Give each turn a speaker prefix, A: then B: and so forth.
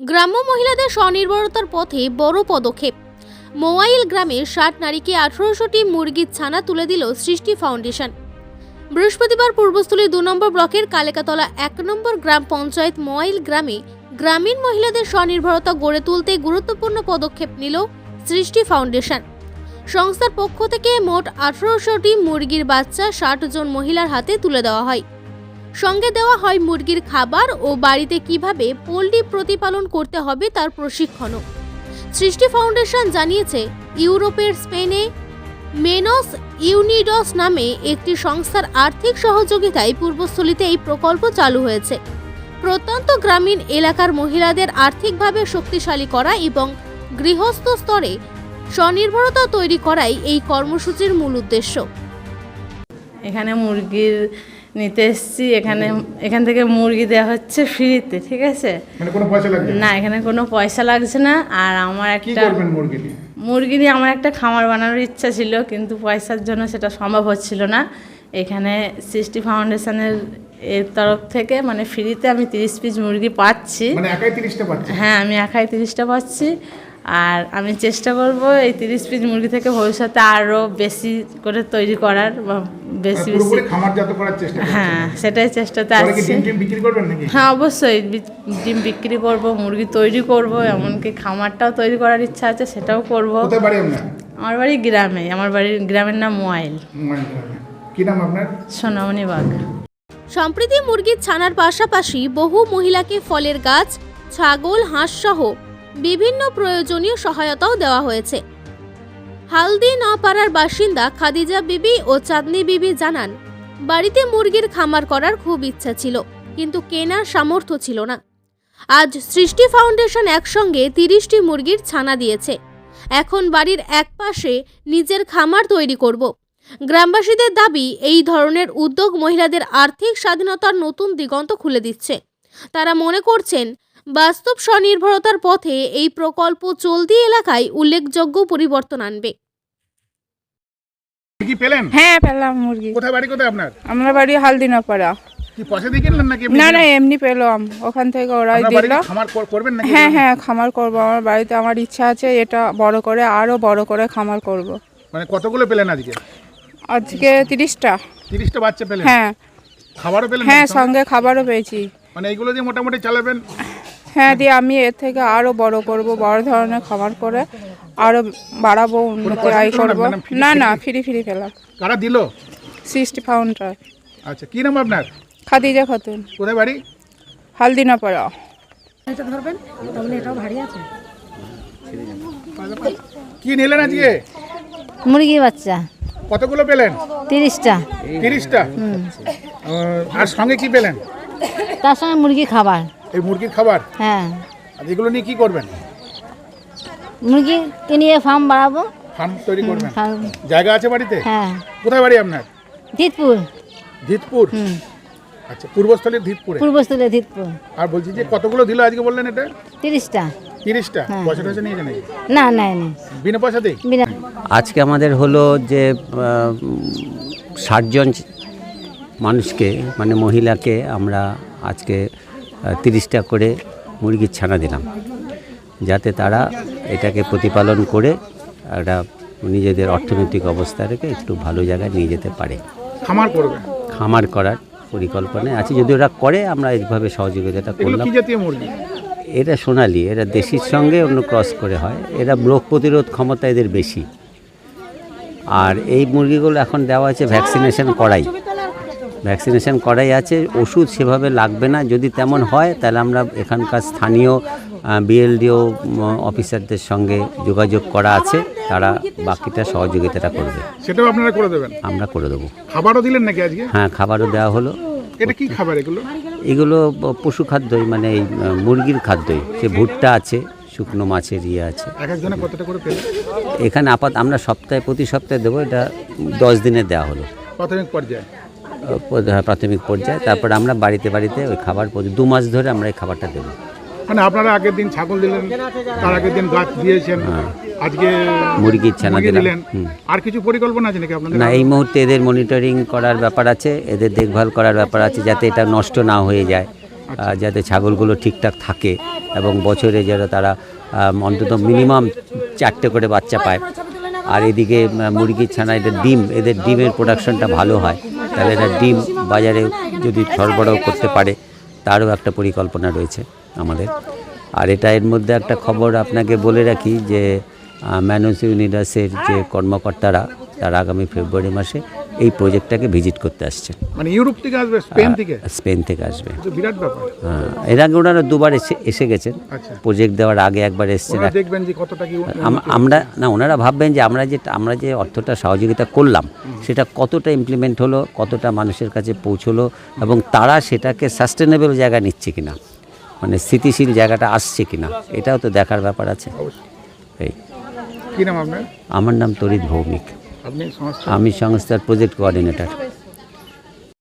A: গ্রাম্য মহিলাদের স্বনির্ভরতার পথে বড় পদক্ষেপ। মোয়াইল গ্রামে ৬০ নারীকে ১৮০০টি মুরগির ছানা তুলে দিল সৃষ্টি ফাউন্ডেশন। বৃহস্পতিবার পূর্বস্থলী ২ নম্বর ব্লকের কালেকাতলা ১ নম্বর গ্রাম পঞ্চায়েত মোয়াইল গ্রামে গ্রামীণ মহিলাদের স্বনির্ভরতা গড়ে তুলতে গুরুত্বপূর্ণ পদক্ষেপ নিল সৃষ্টি ফাউন্ডেশন। সংস্থার পক্ষ থেকে মোট ১৮০০টি মুরগির বাচ্চা ৬০ জন মহিলার হাতে তুলে দেওয়া হয়। সঙ্গে দেওয়া হয় মুরগির খাবার ও বাড়িতে কিভাবে পোল্ট্রি প্রতিপালন করতে হবে তার প্রশিক্ষণও। সৃষ্টি ফাউন্ডেশন জানিয়েছে, ইউরোপের স্পেনে মেনস ইউনিডস নামে একটি সংস্থার আর্থিক সহযোগিতায় পূর্বস্থলীতে এই প্রকল্প চালু হয়েছে। প্রত্যন্ত গ্রামীণ এলাকার মহিলাদের আর্থিকভাবে শক্তিশালী করা এবং গৃহস্থ স্তরে স্বনির্ভরতা তৈরি করাই এই কর্মসূচির মূল উদ্দেশ্য।
B: এখানে মুরগির নিতে এসেছি, এখান থেকে মুরগি দেওয়া হচ্ছে ফ্রিতে, ঠিক আছে?
C: মানে কোনো পয়সা লাগছে
B: না, এখানে কোনো পয়সা লাগছে না। আর আমার একটা মুরগি নিয়ে আমার একটা খামার বানানোর ইচ্ছা ছিল, কিন্তু পয়সার জন্য সেটা সম্ভব হচ্ছিল না। এখানে সৃষ্টি ফাউন্ডেশনের এর তরফ থেকে মানে ফ্রিতে আমি 30 পিস মুরগি পাচ্ছি।
C: মানে একাই 30টা পাচ্ছি?
B: হ্যাঁ, আমি একাই 30টা পাচ্ছি। আর আমি চেষ্টা করব এই 30 পিস মুরগি থেকে ভবিষ্যতে আরও বেশি করে তৈরি করার বা বেশি
C: খামারজাত করার চেষ্টা করছেন?
B: হ্যাঁ, সেটাই চেষ্টাতে আছি।
C: ডিম বিক্রি করবেন নাকি?
B: হ্যাঁ, অবশ্যই ডিম বিক্রি করব, মুরগি তৈরি করব, এমনকি খামারটাও তৈরি করার ইচ্ছা আছে, সেটাও করব।
C: কোথায় বাড়ি আপনার?
B: আমার বাড়ি গ্রামে। আমার বাড়ির গ্রামের নাম মোয়াইল।
C: কি নাম আপনার?
B: সোনামণি বাগ।
A: সম্প্রতি মুরগির ছানার পাশাপাশি বহু মহিলাকে ফলের গাছ, ছাগল, হাঁস সহ বিভিন্ন প্রয়োজনীয় সহায়তাও দেওয়া হয়েছে। হালদি নপাড়ার বাসিন্দা খাদিজা বিবি ও চাঁদনি বিবি জানান, বাড়িতে মুরগির খামার করার খুব ইচ্ছা ছিল, কিন্তু কেনার সামর্থ্য ছিল না। আজ সৃষ্টি ফাউন্ডেশন একসঙ্গে 30টি মুরগির ছানা দিয়েছে। এখন বাড়ির এক পাশে নিজের খামার তৈরি করব। গ্রামবাসীদের দাবি, এই ধরনের উদ্যোগ মহিলাদের আর্থিক স্বাধীনতার নতুন দিগন্ত খুলে দিচ্ছে। তারা মনে করছেন, বাস্তব স্বনির্ভরতার পথে এই প্রকল্প চলতি এলাকায় উল্লেখযোগ্য পরিবর্তন আনবে।
C: কি পেলেন?
D: হ্যাঁ, পেলাম মুরগি।
C: কোথায় বাড়ি? কোথায় আপনার?
D: আমরা বাড়ি হালদিনাপাড়া।
C: কি পয়সা দিয়ে কিনলেন নাকি?
D: না না, এমনি পেলাম, ওখান থেকে ওরাই দিল।
C: খামার করবেন নাকি?
D: হ্যাঁ হ্যাঁ, খামার করব। আমার বাড়িতে আমার ইচ্ছা আছে এটা বড় করে, আরো বড় করে খামার করব।
C: মানে কতগুলো পেলেন আজকে?
D: আজকে 30টা।
C: 30টা বাচ্চা পেলেন?
D: হ্যাঁ।
C: খাবারও পেলেন?
D: হ্যাঁ, সঙ্গে খাবারও পেয়েছি।
C: মানে এইগুলো দিয়ে মোটামুটি চালাবেন?
D: হ্যাঁ, দিয়ে আমি এর থেকে আরো বড় করব, বড় ধরনের খামার করে আরো বাড়াবো, উন্নতি আয় করব। না না, ফ্রি পেলাম।
C: কারা দিল?
D: সৃষ্টি ফাউন্ডেশন।
C: আচ্ছা, কি নাম আপনার?
D: খাদিজা খাতুন।
C: কোথায় বাড়ি?
D: হালদিনাপাড়া।
E: এটা ধরবেন, তাহলে এটাও ভারী আছে।
C: কি নিলেন আজকে?
F: মুরগি বাচ্চা।
C: কতগুলো পেলেন?
F: 30টা।
C: 30টা? আর সঙ্গে কি পেলেন?
F: তার সঙ্গে মুরগি খাবার।
C: এই মুরগির খাবার?
F: হ্যাঁ।
C: আর এগুলো নিয়ে কি করবেন?
F: মুরগি কিনিয়ে ফার্ম বাড়াবো।
C: ফার্ম তৈরি করবেন? জায়গা আছে বাড়িতে?
F: হ্যাঁ।
C: কোথায় বাড়ি আপনার?
F: ধিতপুর।
C: ধিতপুর? আচ্ছা, পূর্বস্থলীর ধিতপুরে?
F: পূর্বস্থলী ধিতপুর।
C: আর বলছি যে কতগুলো দিল আজকে বললেন? এটা
F: 30টা।
C: 30টা? পয়সা টয়সা নিয়েছে নাকি?
F: না নেয়নি।
C: বিনা পয়সাতেই?
F: বিনা।
G: আজকে আমাদের হলো যে 60 জন মানুষকে মানে মহিলাকে আমরা আজকে 30টা করে মুরগির ছানা দিলাম, যাতে তারা এটাকে প্রতিপালন করে একটা নিজেদের অর্থনৈতিক অবস্থা রেখে একটু ভালো জায়গায় নিয়ে যেতে পারে।
C: খামার করবে?
G: খামার করার পরিকল্পনায় আছে, যদি ওরা করে আমরা এইভাবে সহযোগিতাটা করলাম।
C: কি জাতীয় মুরগি?
G: এটা সোনালি, এরা দেশির সঙ্গে অন্য ক্রস করে হয়। এরা রোগ প্রতিরোধ ক্ষমতা এদের বেশি। আর এই মুরগিগুলো এখন দেওয়া আছে ভ্যাকসিনেশন করাই আছে। ওষুধ সেভাবে লাগবে না। যদি তেমন হয় তাহলে আমরা এখানকার স্থানীয় বিএলডিও অফিসারদের সঙ্গে যোগাযোগ করা আছে, তারা বাকিটা সহযোগিতাটা করবে।
C: সেটাও আপনারা করে দেবেন? আমরা
G: করে দেবো।
C: খাবারও দিলেন নাকি আজকে?
G: হ্যাঁ, খাবারও দেওয়া হলো।
C: এটা কি খাবার এগুলো?
G: এগুলো পশু খাদ্যই, মানে এই মুরগির খাদ্যই। সে ভুট্টা আছে, শুকনো মাছের আছে।
C: এক একজনে কতটা করে পেলেন?
G: এখানে আমরা প্রতি সপ্তাহে দেবো। এটা 10 দিনে দেওয়া হলো
C: প্রাথমিক পর্যায়ে।
G: তারপরে আমরা বাড়িতে ওই খাবার 2 মাস ধরে আমরা এই খাবারটা দেবো।
C: মানে আপনারা আগের দিন ছাগল দিলেন, তার আগের দিন গাছ দিয়েছেন, আজকে
G: মুরগির ছানা দিলেন।
C: আর কিছু পরিকল্পনা আছে নাকি আপনাদের?
G: না, এই মুহূর্তে এদের মনিটরিং করার ব্যাপার আছে, এদের দেখভাল করার ব্যাপার আছে, যাতে এটা নষ্ট না হয়ে যায়। যাতে ছাগলগুলো ঠিকঠাক থাকে এবং বছরে যারা তারা অন্তত মিনিমাম 4টে করে বাচ্চা পায়। আর এদিকে মুরগির ছানা এদের ডিমের প্রোডাকশনটা ভালো হয়, তাহলে এটা ডিম বাজারে যদি সরবরাহ করতে পারে তারও একটা পরিকল্পনা রয়েছে আমাদের। আর এটা এর মধ্যে একটা খবর আপনাকে বলে রাখি যে ম্যানোস ইউনিডাসের যে কর্মকর্তারা তারা আগামী ফেব্রুয়ারি মাসে এই প্রজেক্টটাকে ভিজিট করতে আসছেন।
C: মানে ইউরোপ থেকে আসবে,
G: স্পেন থেকে আসবে।
C: বিরাট ব্যাপার।
G: হ্যাঁ, এর আগে ওনারা দুবার এসে গেছেন,
C: আচ্ছা।
G: প্রজেক্ট দেওয়ার আগে একবার এসেছেন।
C: দেখবেন যে কতটা কি
G: ওনারা ভাববেন যে আমরা যে অর্থটা সহযোগিতা করলাম সেটা কতটা ইমপ্লিমেন্ট হলো, কতটা মানুষের কাছে পৌঁছলো এবং তারা সেটাকে সাস্টেনেবল জায়গা নিচ্ছে কিনা, মানে স্থিতিশীল জায়গাটা আসছে কিনা, এটাও তো দেখার ব্যাপার আছে। এই
C: কি নাম আপনার?
G: আমার নাম তরিত ভৌমিক,
C: আপনি সংস্থা?
G: আমি সংস্থার প্রজেক্ট কোঅর্ডিনেটর।